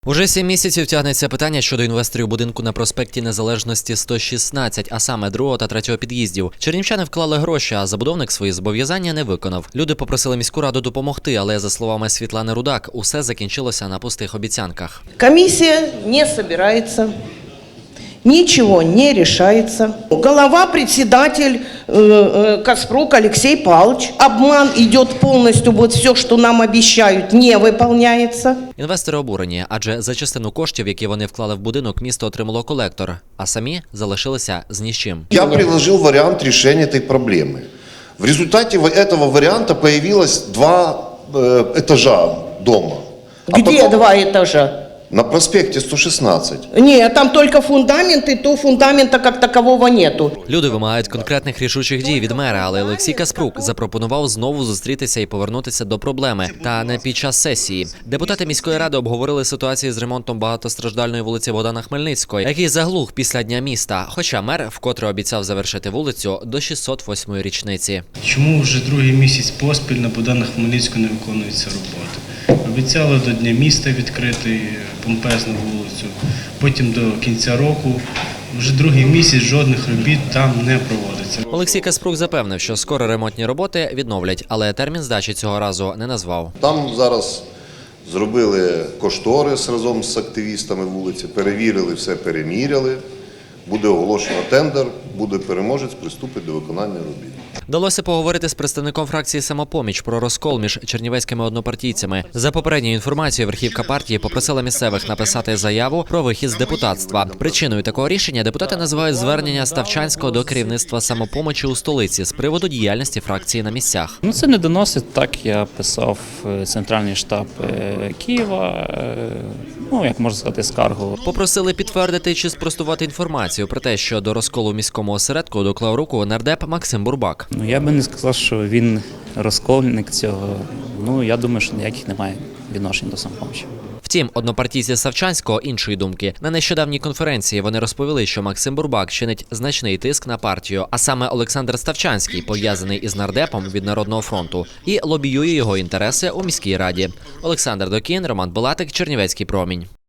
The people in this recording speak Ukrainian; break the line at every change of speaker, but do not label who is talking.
Уже 7 місяців тягнеться питання щодо інвесторів будинку на проспекті Незалежності 116, а саме другого та третього під'їздів. Чернівчани вклали гроші, а забудовник свої зобов'язання не виконав. Люди попросили міську раду допомогти, але, за словами Світлани Рудак, усе закінчилося на пустих обіцянках.
Комісія не збирається. Ничего не решается. Голова, председатель Каспрук Алексей Павлович. Обман идет полностью, вот все, что нам обещают, не выполняется.
Інвестори обурені, адже за частину коштів, які вони вклали в будинок, місто отримало колектор, а самі залишилися з ні з чим.
Я предложил вариант решения этой проблемы. В результате этого варианта появилось два этажа дома.
Где два этажа?
На проспекте 116.
Нет, там только фундамент, и то фундамента как такового нету.
Люди вимагають конкретних рішучих дій від мера, але Олексій Каспрук запропонував знову зустрітися і повернутися до проблеми. Та не під час сесії. Депутати міської ради обговорили ситуацію з ремонтом багатостраждальної вулиці Богдана Хмельницького, який заглух після Дня міста. Хоча мер вкотре обіцяв завершити вулицю до 608-ї річниці.
Чому вже другий місяць поспіль на Богдана Хмельницького не виконуються роботи? Обіцяли до Дня міста відкрити помпезну вулицю, потім до кінця року. Вже другий місяць жодних робіт там не проводиться.
Олексій Каспрук запевнив, що скоро ремонтні роботи відновлять, але термін здачі цього разу не назвав.
Там зараз зробили кошторис разом з активістами вулиці, перевірили все, переміряли. Буде оголошено тендер, буде переможець, приступить до виконання робіт.
Вдалося поговорити з представником фракції «Самопоміч» про розкол між чернівецькими однопартійцями. За попередньою інформацією, верхівка партії попросила місцевих написати заяву про вихід з депутатства. Причиною такого рішення депутати називають звернення Ставчанського до керівництва «Самопомочі» у столиці з приводу діяльності фракції на місцях.
Це не доносить, так я писав центральний штаб Києва, як можна сказати, скаргу.
Попросили підтвердити чи спростувати інформацію про те, що до розколу в міському осередку доклав руку нардеп Максим Бурбак.
Я би не сказав, що він розкольник цього. Я думаю, що ніяких немає відношень до «Самопомочі».
Втім, однопартійці Ставчанського іншої думки. На нещодавній конференції вони розповіли, що Максим Бурбак чинить значний тиск на партію, а саме Олександр Ставчанський, пов'язаний із нардепом від Народного фронту, і лобіює його інтереси у міській раді. Олександр Докін, Роман Балатик, Чернівецький промінь.